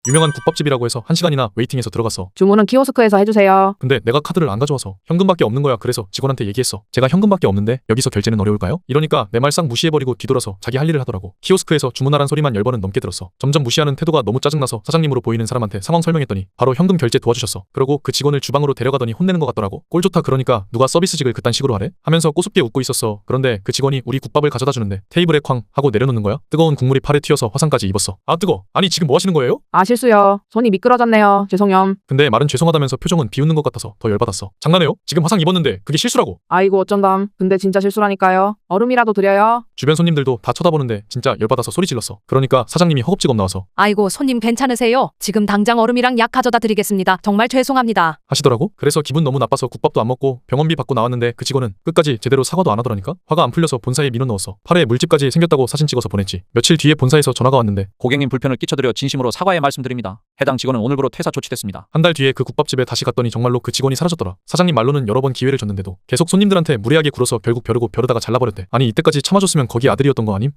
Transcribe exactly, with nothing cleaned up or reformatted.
유명한 국밥집이라고 해서 한 시간이나 웨이팅해서 들어갔어. 주문은 키오스크에서 해주세요. 근데 내가 카드를 안 가져와서 현금밖에 없는 거야. 그래서 직원한테 얘기했어. 제가 현금밖에 없는데 여기서 결제는 어려울까요? 이러니까 내 말 싹 무시해버리고 뒤돌아서 자기 할 일을 하더라고. 키오스크에서 주문하란 소리만 열 번은 넘게 들었어. 점점 무시하는 태도가 너무 짜증나서 사장님으로 보이는 사람한테 상황 설명했더니 바로 현금 결제 도와주셨어. 그러고 그 직원을 주방으로 데려가더니 혼내는 것 같더라고. 꼴 좋다 그러니까 누가 서비스직을 그딴 식으로 하래? 하면서 꼬숩게 웃고 있었어. 그런데 그 직원이 우리 국밥을 가져다 주는데 테이블에 쾅 하고 내려놓는 거야. 뜨거운 국물이 팔에 튀어서 화상까지 입었어. 아 뜨거. 아니 지금 뭐 하시는 거예요? 아 실수요. 손이 미끄러졌네요. 죄송염. 근데 말은 죄송하다면서 표정은 비웃는 것 같아서 더 열받았어. 장난해요? 지금 화상 입었는데 그게 실수라고. 아이고 어쩐담. 근데 진짜 실수라니까요. 얼음이라도 드려요. 주변 손님들도 다 쳐다보는데 진짜 열받아서 소리 질렀어. 그러니까 사장님이 허겁지겁 나와서 아이고 손님 괜찮으세요? 지금 당장 얼음이랑 약 가져다 드리겠습니다. 정말 죄송합니다. 하시더라고. 그래서 기분 너무 나빠서 국밥도 안 먹고 병원비 받고 나왔는데 그 직원은 끝까지 제대로 사과도 안 하더라니까. 화가 안 풀려서 본사에 민원 넣었어. 팔에 물집까지 생겼다고 사진 찍어서 보냈지. 며칠 뒤에 본사에서 전화가 왔는데 고객님 불편을 끼쳐드려 진심으로 사과의 말씀드립니다. 해당 직원은 오늘부로 퇴사 조치됐습니다. 한 달 뒤에 그 국밥집에 다시 갔더니 정말로 그 직원이 사라졌더라. 사장님 말로는 여러 번 기회를 줬는데도 계속 손님들한테 무례하게 굴어서 결국 벼르고 벼르다가 잘라버렸대. 아니 이때까지 참아줬으면 거기 아들이었던 거 아님?